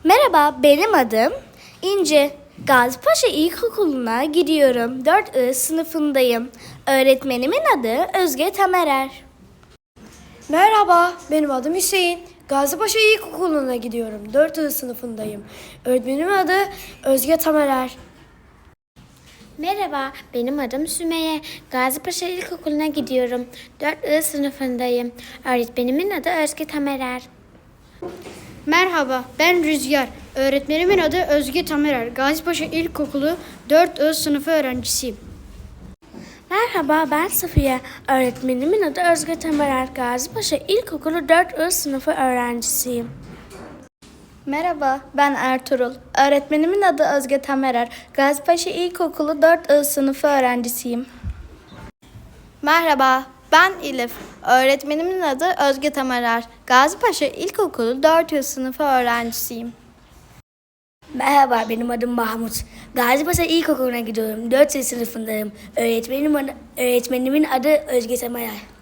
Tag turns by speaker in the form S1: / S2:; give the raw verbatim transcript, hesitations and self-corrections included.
S1: Merhaba, benim adım İnce. Gazipaşa İlkokulu'na gidiyorum. dört I sınıfındayım. Öğretmenimin adı Özge Tamerer.
S2: Merhaba, benim adım Hüseyin. Gazipaşa İlkokulu'na gidiyorum. dört I sınıfındayım. Öğretmenimin adı Özge Tamerer.
S3: Merhaba, benim adım Sümeyye. Gazipaşa İlkokulu'na gidiyorum. dört I sınıfındayım. Öğretmenimin adı Özge Tamerer.
S4: Merhaba, ben Rüzgar. Öğretmenimin adı Özge Tamerer. Gazipaşa İlkokulu dört I sınıfı öğrencisiyim.
S1: Merhaba, ben Safiye. Öğretmenimin adı Özge Tamerer. Gazipaşa İlkokulu dört I sınıfı öğrencisiyim. Merhaba, ben Ertuğrul. Öğretmenimin adı Özge Tamerer. Gazipaşa İlkokulu dört I sınıfı öğrencisiyim.
S5: Merhaba, ben Elif. Öğretmenimin adı Özge Tamerer. Gazipaşa İlkokulu dört I sınıfı öğrencisiyim.
S1: Merhaba, benim adım Mahmut. Gazipaşa İlkokulu'na gidiyorum. dört I sınıfındayım. Öğretmenim adı, öğretmenimin adı Özge Tamerer.